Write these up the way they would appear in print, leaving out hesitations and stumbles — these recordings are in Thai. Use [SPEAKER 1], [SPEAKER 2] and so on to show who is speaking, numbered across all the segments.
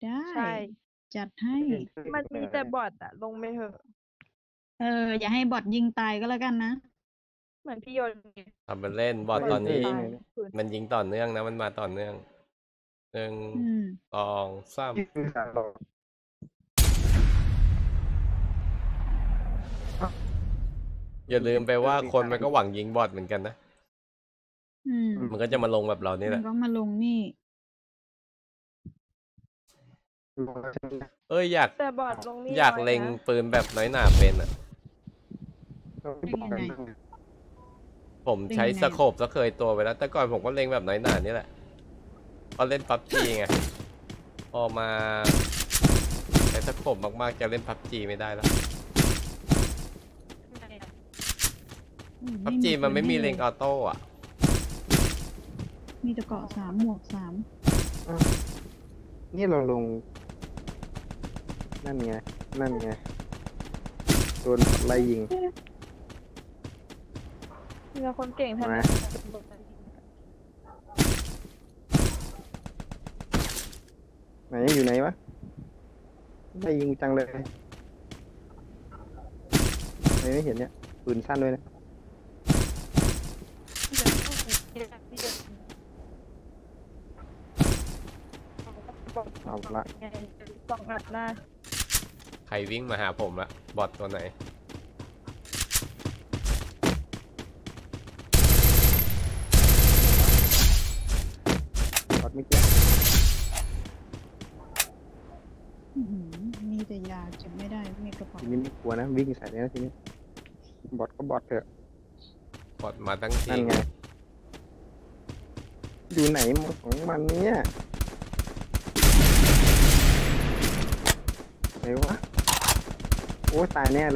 [SPEAKER 1] ได้
[SPEAKER 2] ใช่
[SPEAKER 1] จัดให้
[SPEAKER 2] มันมีแต่บอทอะลงไปเถอะ
[SPEAKER 1] อย่าให้บอทยิงตายก็แล้วกันนะ
[SPEAKER 2] เหมือนพี่โยนไง
[SPEAKER 3] ทำเป็นเล่นบอท
[SPEAKER 2] บอท
[SPEAKER 3] ตอนนี้
[SPEAKER 2] ตายคืน
[SPEAKER 3] มันยิงต่อเนื่องนะมันมาต่อเนื่อง1 2 3อย่าลืมไปว่าคนมันก็หวังยิงบอทเหมือนกันนะ มันก็จะมาลงแบบเรานี่แห
[SPEAKER 1] มั
[SPEAKER 3] ละ
[SPEAKER 1] นก็มาลงนี่
[SPEAKER 3] อยาก
[SPEAKER 2] แต่บอทลงนี่
[SPEAKER 3] อยาก
[SPEAKER 2] น้นะ
[SPEAKER 3] เล็งปืนแบบน้อยหนาเป็นอ่ะ
[SPEAKER 1] เป็นยังไง
[SPEAKER 3] ผมใช้
[SPEAKER 1] เป็นยังไง
[SPEAKER 3] สโคปซะเคยตัวไปแล้ว แต่ก่อนผมก็เล็งแบบน้อยหนานี่แหละพอเล่นพับจีไงพอมาใช้สโคปมากๆจะเล่นพับจีไม่ได้แล้วพับจีมันไม่มีเล็งออโต้อะ
[SPEAKER 1] มีแต่เกาะ3 หมวก
[SPEAKER 4] นี่เราลงนั่นไงโดนไล่ยิง
[SPEAKER 2] มีแต่คนเก่งทั้ง
[SPEAKER 4] มา
[SPEAKER 2] นั้น
[SPEAKER 4] ไหนอยู่ไหนวะไล่ยิงจังเลยไม่เห็นเนี่ยปืนสั้นด้วยนะ เอาละ
[SPEAKER 2] สองอัดหน้า
[SPEAKER 3] ใครวิ่งมาหาผมละบอทตัวไหน
[SPEAKER 4] บอทไม่เกี่ยว
[SPEAKER 1] มีแต่ยาเก็บไม่ได้มีกระเป๋า
[SPEAKER 4] ทีนี้ไม่กลัวนะวิ่งใส่เลยนะทีนี้บอทก็บอทเถอะ
[SPEAKER 3] บอทมาทั้งที
[SPEAKER 4] นั่นไงอยู่ไหนของมันเนี่ยไหนวะโอ้ตายแน่เลย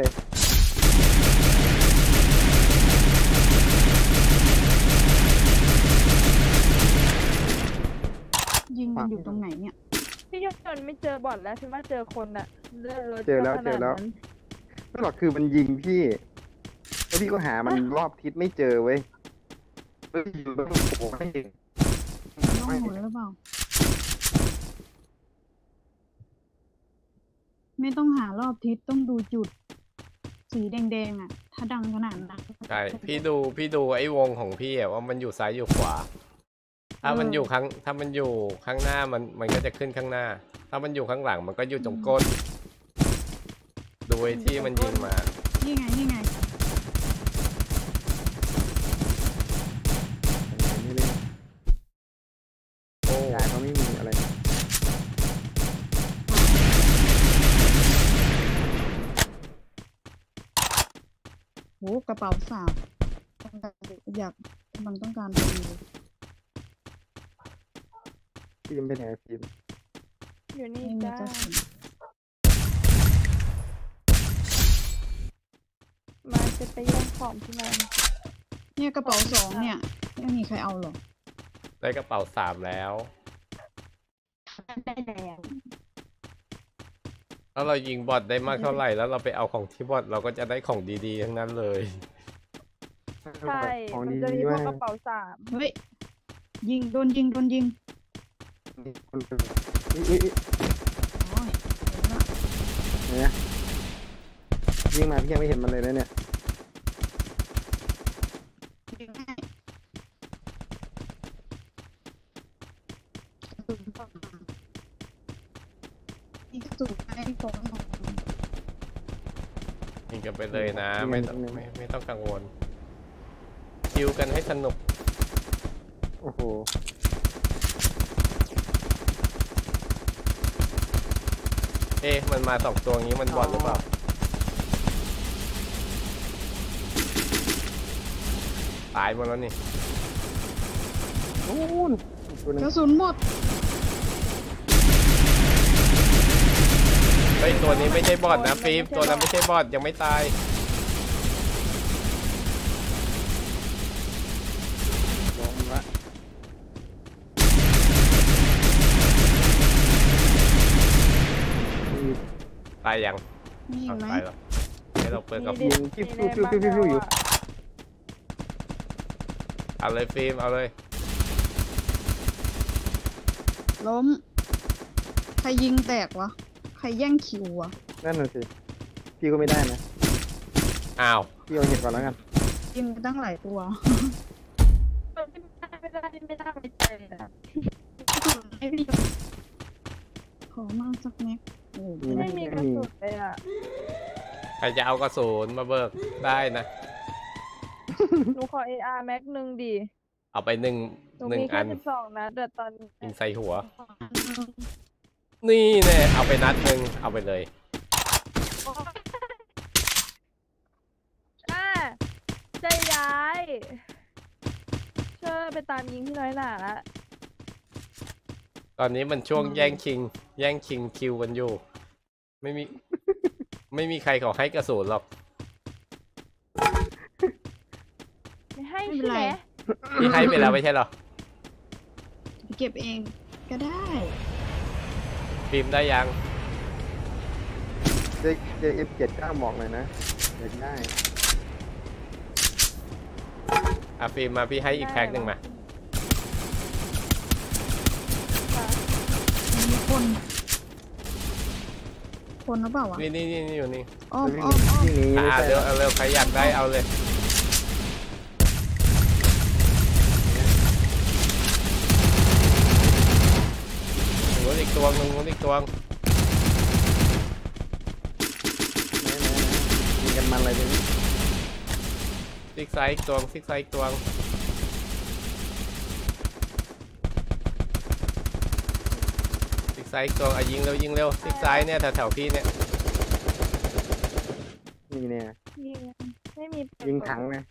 [SPEAKER 1] ยิงกันอยู่ตรงไหนเนี่ย
[SPEAKER 2] พี่โยนไม่เจอบอทแล้วพี่ว่าเจอคนอะเลือดรถ
[SPEAKER 4] เจอแล้ว
[SPEAKER 2] ขนาดนั้น
[SPEAKER 4] ไม่หรอกคือมันยิงพี่แล้วพี่ก็หามันรอบทิศไม่เจอเว้ยอยู่แล้วมันโผล่ไม่เห็น
[SPEAKER 1] ต้องหมุนหรือเปล่า ไม่ต้องหารอบทิศต้องดูจุด สีแดงๆอ่ะ ถ้าดังขนาดนั้น
[SPEAKER 3] ใช่พี่ดูไอ้วงของพี่อะว่ามันอยู่ซ้ายอยู่ขวา ถ้ามันอยู่ข้างหน้ามันก็จะขึ้นข้างหน้า ถ้ามันอยู่ข้างหลังมันก็อยู่ตรงก้นดูไอ้ที่มันยิงมา
[SPEAKER 1] นี่ไง
[SPEAKER 4] ไม่เล่น
[SPEAKER 3] โอ้
[SPEAKER 4] ยายเขาไม่มีอะไร
[SPEAKER 1] โหกระเป๋าสาวอยากมันต้องการพอดีเลย
[SPEAKER 4] ฟิล์มไปไหนฟิล์ม
[SPEAKER 2] อยู่นี่
[SPEAKER 1] ไม่มี
[SPEAKER 2] จ้าก
[SPEAKER 1] ระสุน
[SPEAKER 2] มาจะไปแย่งของพี่แมน
[SPEAKER 1] เนี่ยกระเป๋า2เนี่ยไม่มีใครเอาหรอก
[SPEAKER 3] ได้กระเป๋า3แล้ว
[SPEAKER 2] ได้แล้ว
[SPEAKER 3] ถ้าเรายิงบอทได้มากเท่าไหร่แล้วเราไปเอาของที่บอทเราก็จะได้ของดีๆทั้งนั้นเลย
[SPEAKER 2] ใช่
[SPEAKER 4] ของ
[SPEAKER 2] มัน
[SPEAKER 4] ดี
[SPEAKER 2] จะมี
[SPEAKER 4] ๆ
[SPEAKER 2] พว
[SPEAKER 4] ว่าก
[SPEAKER 2] กระเป๋า3
[SPEAKER 1] เฮ้ยยิงโดนยิง
[SPEAKER 4] คนอุ๊ย
[SPEAKER 1] โอ้ยเห็นละ
[SPEAKER 4] เนี่ยยิงมาพี่ยังไม่เห็นมันเลยนะเนี่ย
[SPEAKER 1] ยิงให้ยิงกระสุนให้ตรง
[SPEAKER 3] ยิงกันไปเลยนะไม่ต้องกังวลคิวกันให้สนุก
[SPEAKER 4] โอ้โห
[SPEAKER 3] มันมา2 ตัวงี้มันบอทหรือเปล่าตายหมดแล้วนี่
[SPEAKER 4] นู่นอีกตัวหนึง
[SPEAKER 1] กระสุนหมด
[SPEAKER 3] เฮ้ยตัวนี้ไม่ใช่บอทนะฟิล์มตัวนั้นไม่ใช่บอทยังไม่ตาย
[SPEAKER 4] ลงละ
[SPEAKER 3] ตายยัง
[SPEAKER 1] มีอีกไหม
[SPEAKER 3] ตายแล้วให้เราเปิดกับ
[SPEAKER 4] ยิงฟิวอยู่
[SPEAKER 3] เอาเลยฟิล์มเอาเลย
[SPEAKER 1] ล้มรยิงแตกวะใครแย่งคิววะ
[SPEAKER 4] นั่นน่ะสิพี่ก็ไม่ได้นะ
[SPEAKER 3] อ้าว
[SPEAKER 4] พี่เอาเห็ดก่อนแล้วกัน
[SPEAKER 1] ยิงไปตั้งหลายตัว
[SPEAKER 2] ไม่ได้ไม่ใจเลยอะ
[SPEAKER 1] ไม่มีขอมาสักแม็กโอ้โห
[SPEAKER 2] ไม่มีกระสุนเลยอ่ะ
[SPEAKER 3] ใครจะเอากระสุนมาเบิกได้นะ
[SPEAKER 2] หนูขอ AR แม็กหนึ่งดิ
[SPEAKER 3] เอาไปหนึ่ง
[SPEAKER 2] หนู
[SPEAKER 3] หนึ่ง
[SPEAKER 2] มี
[SPEAKER 3] อั
[SPEAKER 2] แค่
[SPEAKER 3] น
[SPEAKER 2] 12 นัดแต่ตอนนี้
[SPEAKER 3] ยิงใส่หัว นี่แน่เอาไปนัดหนึ่งเอาไปเลย
[SPEAKER 2] อ่าจะย้ายเชื่อไปตามยิงที่น้อยหนาละ
[SPEAKER 3] ตอนนี้มันช่วงแย่งชิงคิวกันอยู่ ไม่มี ไม่มีใครเขาให้กระสุนหรอก
[SPEAKER 2] ไม่ให้
[SPEAKER 1] ไม่เป็น
[SPEAKER 2] ใช่
[SPEAKER 1] ไร
[SPEAKER 2] ไหม
[SPEAKER 3] พี่ให้ไปแล้วไม่ใช่หรอ
[SPEAKER 1] ไปเก็บเองก็ได้
[SPEAKER 3] ฟิล์มได้ยัง
[SPEAKER 4] เจอ F79 บอกเลยนะอยากได้
[SPEAKER 3] อ่ะฟิล์มมาพี่ให้อีกแพ็คหนึ่งมา
[SPEAKER 1] มีคน คนหรือเปล่าวะ
[SPEAKER 3] นี่อยู่นี่
[SPEAKER 1] อ้อม
[SPEAKER 4] วิ่ง
[SPEAKER 1] อ้อมอ้อม
[SPEAKER 4] วิ่งหนีไม่
[SPEAKER 3] อ่า
[SPEAKER 4] ใช่
[SPEAKER 3] เร็วเอาเร็วใครอยากได้เอาเลยนู้นอีกตัวนึงนู้นอีกตัว
[SPEAKER 4] ไหนยิงกันมันอะไรเนี่ย
[SPEAKER 3] ซิกไซด์อีกตัวซิกไซด์อีกตัวซิกไซด์อีกตัวอ่ะยิงเร็วซิกไซด์เนี่ยแถวๆพี่เนี่ย
[SPEAKER 4] นี่เนี่ย
[SPEAKER 2] ยิงไม่มี
[SPEAKER 4] ยิงถังนะ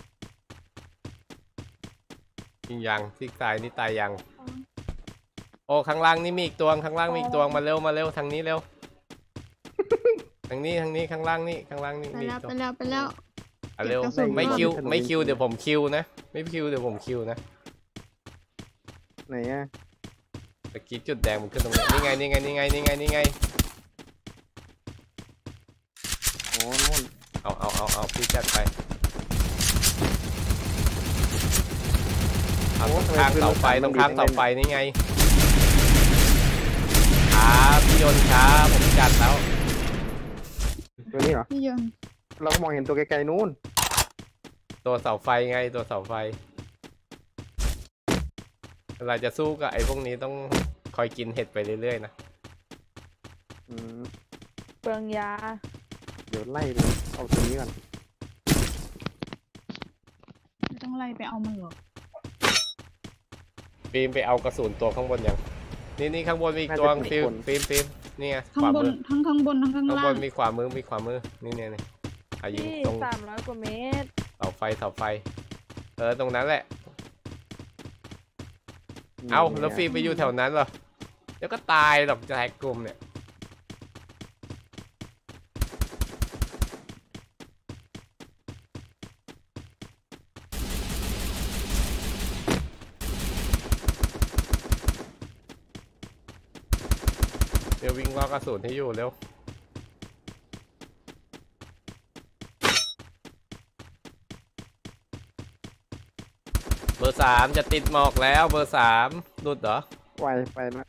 [SPEAKER 3] ยิงยังซิกไซด์นี่ตายยังโอ้ข้างล่างนี่มีอีกตัวข้างล่างมีอีกตัวมาเร็วทางนี้เร็ว ทางนี้ข้างล่างนี่
[SPEAKER 1] ไป
[SPEAKER 3] มี
[SPEAKER 1] แล้
[SPEAKER 3] อี
[SPEAKER 1] ว
[SPEAKER 3] กตัว
[SPEAKER 1] ไปแล้วไปแล้ว
[SPEAKER 3] อ่ะเร็ว
[SPEAKER 1] เก็บกระสุน
[SPEAKER 3] ไม่คิว
[SPEAKER 1] ก่อน
[SPEAKER 3] ไม่คิวเดี๋ยวผมคิวนะไม่คิวเดี๋ยวผมคิวนะ
[SPEAKER 4] ไหนอ่ะ
[SPEAKER 3] ตะกี้จุดแดงมันขึ้นตรงนี้นี่ไง
[SPEAKER 4] โอ้นู่น
[SPEAKER 3] เอาพี่จัดไปเอาตรงข้างเสาไฟนี่ไงครับพี่ยนต์ครับผมจัดแล้ว
[SPEAKER 4] ตัวนี้เหรอ
[SPEAKER 1] พี่ยนต์
[SPEAKER 4] เราก็มองเห็นตัวไกลๆนู่น
[SPEAKER 3] ตัวเสาไฟไงตัวเสาไฟเวลาจะสู้กับไอ้พวกนี้ต้องคอยกินเห็ดไปเรื่อยๆนะ
[SPEAKER 4] อืม
[SPEAKER 2] เปลืองยา
[SPEAKER 4] เดี๋ยวไล่เลยเอาตัวนี้ก่อน
[SPEAKER 1] ไม่ต้องไล่ไปเอามันหรอก
[SPEAKER 3] ฟิล์มไปเอากระสุนตัวข้างบนยังนี่ข้างบนมีอีกตัวฟิล์มนี่ไง
[SPEAKER 1] ข้างบนทั้งข้างบนทั้งข้าง
[SPEAKER 3] ข้าง
[SPEAKER 1] ล่า
[SPEAKER 3] บ
[SPEAKER 1] ง
[SPEAKER 3] นมีขวามือนี่อ่ะยิง
[SPEAKER 2] ที่
[SPEAKER 3] ตรง
[SPEAKER 2] 300 กว่าเมตร
[SPEAKER 3] เสาไฟตรงนั้นแหละเอาแล้วฟิล์มไปอยู่แถวนั้นเหรอเดี๋ยวก็ตายหรอกจะแฮกกลุ่มเนี่ยเดี๋ยววิ่งรอกระสุนให้อยู่เร็วเบอร์ 3จะติดหมอกแล้วเบอร์ 3หลุดเหรอ
[SPEAKER 4] ไวไปละ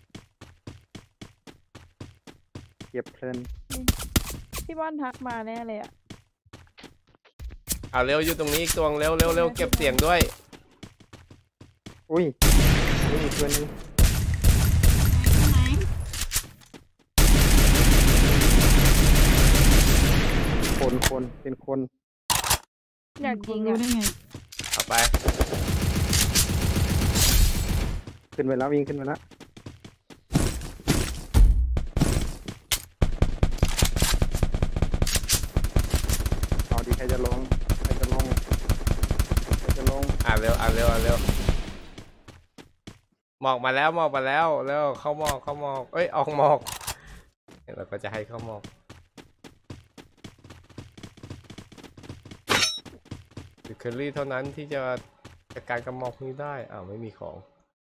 [SPEAKER 4] เก็บเพลิน
[SPEAKER 2] พี่บอลทักมาแน่เลยอ่ะ
[SPEAKER 3] เอาเร็วอยู่ตรงนี้อีกตัวเร็วเก็บเสียงด้วย
[SPEAKER 4] อุ้ยนี่อีกตัวนึง
[SPEAKER 1] ไหน
[SPEAKER 4] คนเป็นคน
[SPEAKER 2] อยากยิง
[SPEAKER 1] รู้
[SPEAKER 2] อ่ะ
[SPEAKER 1] ได้ไง
[SPEAKER 3] เอาไป
[SPEAKER 4] ขึ้นไปแล้ววิ่งขึ้นไปแล้วเอาดีใครจะลง
[SPEAKER 3] อ่ะเร็วหมอกมาแล้วแล้วเข้าหมอกเอ้ยออกหมอกเราก็จะให้เข้าหมอกเคอรี่เท่านั้นที่จะจัดการกับหมอกนี้ได้อ้าวไม่มีของ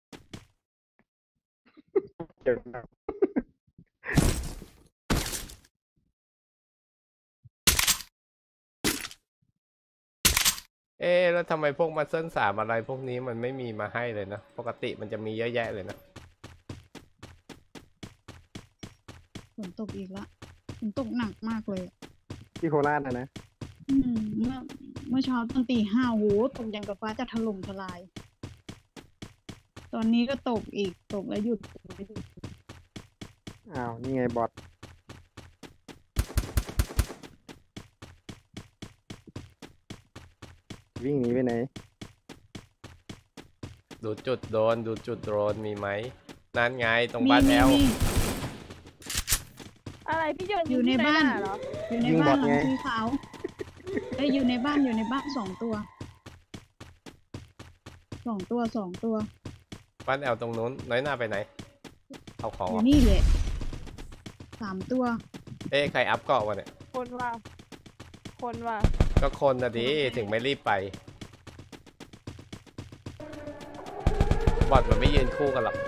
[SPEAKER 4] เก็บ
[SPEAKER 3] เอ๊ะแล้วทำไมพวกมัสเซิล3อะไรพวกนี้มันไม่มีมาให้เลยนะปกติมันจะมีเยอะแยะเลยนะ
[SPEAKER 1] ฝนตกอีกละฝนตกหนักมากเลยอะ
[SPEAKER 4] ที่โคราชนะ
[SPEAKER 1] เมื่อเช้าตอนตี 5โหตกอย่างกับฟ้าจะถล่มทลาย ตอนนี้ก็ตกอีกตกแล้วหยุดตกแล้วหยุด
[SPEAKER 4] อ้าว นี่ไงบอทวิ่งหนีไปไหน
[SPEAKER 3] ดูจุดโดนดูจุดโดนมีไหมนั่นไงตรงบ้านแอล
[SPEAKER 1] มี
[SPEAKER 2] อะไรพี่โยน
[SPEAKER 1] อยู่ใน
[SPEAKER 2] ที่
[SPEAKER 1] บ้าน
[SPEAKER 2] เหรอ
[SPEAKER 1] อยู่ใน
[SPEAKER 4] ยิง
[SPEAKER 1] บ้าน
[SPEAKER 4] บอท
[SPEAKER 1] หลัง
[SPEAKER 4] ไง
[SPEAKER 1] สีขาวเอ้ยอยู่ในบ้าน2 ตัว2 ตัว
[SPEAKER 3] บ้านแอลตรงนู้นน้อยหน้าไปไหนเอาของ
[SPEAKER 1] อ
[SPEAKER 3] เหร
[SPEAKER 1] ยู่
[SPEAKER 3] อ
[SPEAKER 1] นี่แหละ3 ตัว
[SPEAKER 3] เอ๊ะใครอัพเกาะวะเนี่ย
[SPEAKER 2] คนว่า คนว่า
[SPEAKER 3] ก็คนนะดิถึงไม่รีบไปบอทมันไม่ยืนคู่กันหรอก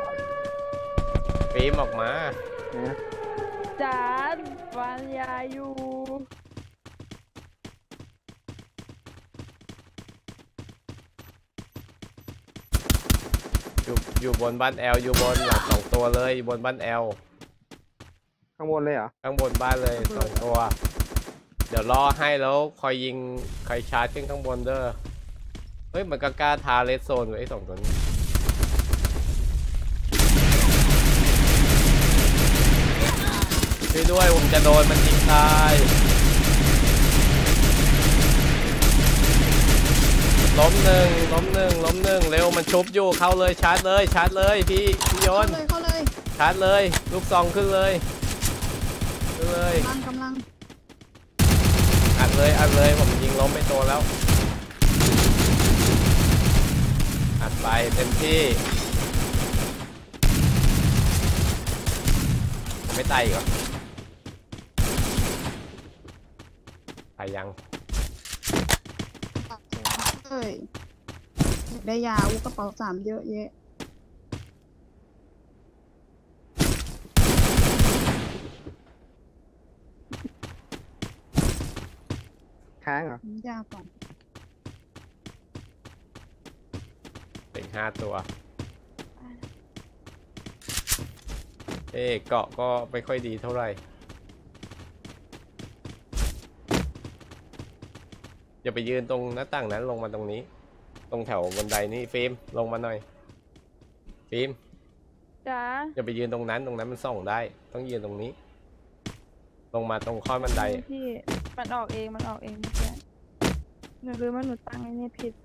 [SPEAKER 3] ฟิล์มออกมา
[SPEAKER 4] นะ
[SPEAKER 2] จานวานยาอยู่
[SPEAKER 3] อยู่บนบ้านแอลอยู่บนหลัง2 ตัวเลยอยู่บนบ้านแอล
[SPEAKER 4] ข้างบนเลยเหรอ
[SPEAKER 3] ข้างบนบ้านเลย2 ตัว เดี๋ยวรอให้แล้วคอยยิงคอยชาร์จขึ้นข้างบนเด้อเฮ้ยมันก็กล้าทาเลสโซนไว้ไอ้2 ตัวนี้ช่วยด้วยผมจะโดนมันยิงตายล้มหนึ่งเร็วมันชุบอยู่เข้าเลยชาร์จเลยพี่โย
[SPEAKER 1] เข้าน เลย
[SPEAKER 3] ชาร์จเลยลูกซองขึ้นเลย
[SPEAKER 1] กำลัง
[SPEAKER 3] อัดเลยผมยิงล้มไปตัวแล้วอัดไปเต็มที่ไม่ตายอีกเหรอตายยัง
[SPEAKER 1] เอ้ยอยากได้ยาอุยกระเป๋า3เยอะแยะ
[SPEAKER 4] ค้างเหรอ
[SPEAKER 1] ยาก่อน
[SPEAKER 3] เป็น5 ตัวเกาะก็ไม่ค่อยดีเท่าไหร่อย่าไปยืนตรงหน้าต่างนั้นลงมาตรงนี้ ตรงแถวบันไดนี่ฟิล์มลงมาหน่อยฟิล์ม
[SPEAKER 2] จ้า
[SPEAKER 3] อย่าไปยืนตรงนั้นมันส่องได้ต้องยืนตรงนี้ ลงมาตรงข้อบันได
[SPEAKER 2] พี่มันออกเองเมื่อกี้หนูรู้ว่าหนูตั้งไอ้นี่ผิด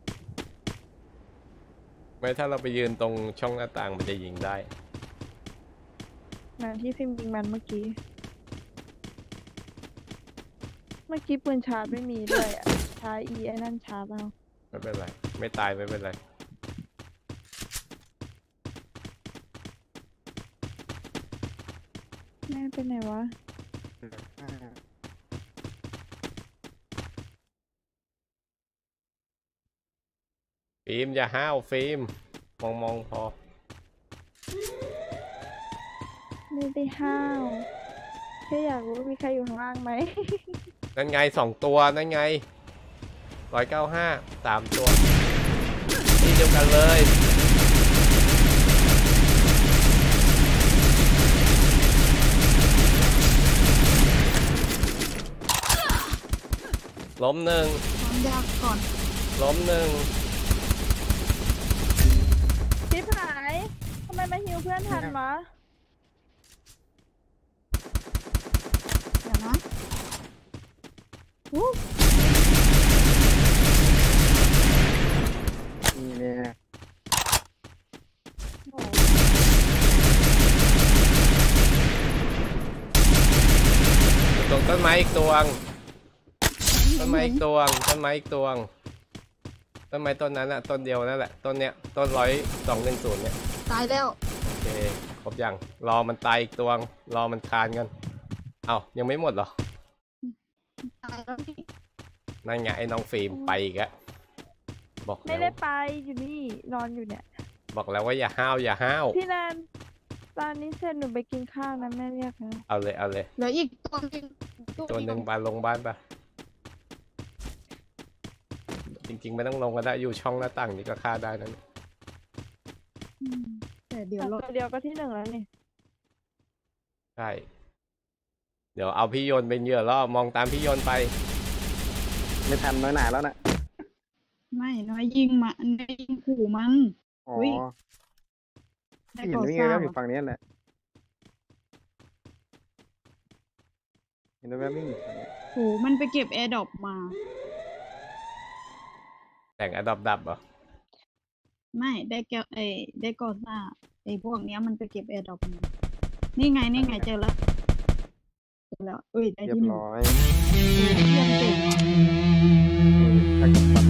[SPEAKER 3] ไม่ถ้าเราไปยืนตรงช่องหน้าต่างมันจะยิงได้
[SPEAKER 2] เหมือนที่พิมพ์ยิงมันเมื่อกี้ เมื่อกี้ปืนชาร์จไม่มีด้วยอ่ะใช้ไอ้นั่นชาร์จเอา
[SPEAKER 3] ไม่เป็นไรไม่ตายไม่เป็นไร
[SPEAKER 2] แม่เป็นไหนวะ
[SPEAKER 3] ฟิล์มอย่าห้าวฟิล์มมองพอ
[SPEAKER 2] ไม่ได้ห้าวแค่อยากรู้ว่ามีใครอยู่ข้างล่างไหม
[SPEAKER 3] นั่นไง2 ตัวนั่นไง195 3 ตัวที่เดียวกันเลยล้ม 1
[SPEAKER 1] ความยากก่อน
[SPEAKER 3] ล้ม 1
[SPEAKER 2] ชิบหายทำไมมาฮิวเพื่อนทันวะ
[SPEAKER 1] เดี๋ยวนะอู้
[SPEAKER 4] นี่เนี่ย
[SPEAKER 2] โอ้
[SPEAKER 3] ตรงต้นไม้อีกตัวต้นไม้อีกตัวต้นไม้ต้นนั้นอะต้นเดียวนั่นแหละต้นเนี้ยต้น210เนี่ย
[SPEAKER 1] ตายแล้ว
[SPEAKER 3] โอเคครบยังรอมันตายอีกตัวรอมันคานกันเอ้ายังไม่หมดเหรอ
[SPEAKER 1] ตายแล้วนี่
[SPEAKER 3] นั่นไงไอ้น้องฟิล์มไปอีกแล้วบอก
[SPEAKER 2] ไม่
[SPEAKER 3] แล้ว
[SPEAKER 2] ได้ไปอยู่นี่นอนอยู่เนี่ย
[SPEAKER 3] บอกแล้วว่าอย่าห้าวอย่าห้าว
[SPEAKER 2] พี่นันตอนนี้เสร็จหนูไปกินข้าวนะแม่เรียกนะ
[SPEAKER 3] เอาเลย
[SPEAKER 1] เหลืออีกตัวหนึง
[SPEAKER 3] ตัวหนึ่งบานลงบ้านปะจริงๆไม่ต้องลงก็ได้อยู่ช่องหน้าต่างนี่ก็ฆ่าได้นั่น
[SPEAKER 1] แต่เดี๋ยว
[SPEAKER 2] ตัวเดียวก็ที่ 1แล้วนี่
[SPEAKER 3] ใช่เดี๋ยวเอาพี่โยนเป็นเหยื่อล่อมองตามพี่โยนไป
[SPEAKER 4] ไม่ทันน้อยหนาแล้วนะ
[SPEAKER 1] ไม่น้อยยิงมาน้อยยิงขู่มัน
[SPEAKER 4] อ๋อ
[SPEAKER 1] อุ๊ย ได้
[SPEAKER 4] พี่เห็น
[SPEAKER 1] ก่อ
[SPEAKER 4] วิ่ง
[SPEAKER 1] สร้า
[SPEAKER 4] แว๊
[SPEAKER 1] ง
[SPEAKER 4] บๆอยู่ฝั่งนี้แหละเห็นแว๊บๆวิ่งอยู่ฝั่งนี้
[SPEAKER 1] โหมันไปเก็บแอร์ดรอปมา
[SPEAKER 3] แต่งอดับดับเหรอ
[SPEAKER 1] ไม่ได้แกวได้ก่อสร้างพวกเนี้ยมันไปเก็บแอร์ดรอปมานี่ไงเจอแล้วเอ้ยได้
[SPEAKER 4] เรียบ
[SPEAKER 1] ที่หนึ่ง
[SPEAKER 4] ร้อย
[SPEAKER 1] เพื่อนเก่งว่ะ
[SPEAKER 4] ถ้ากับ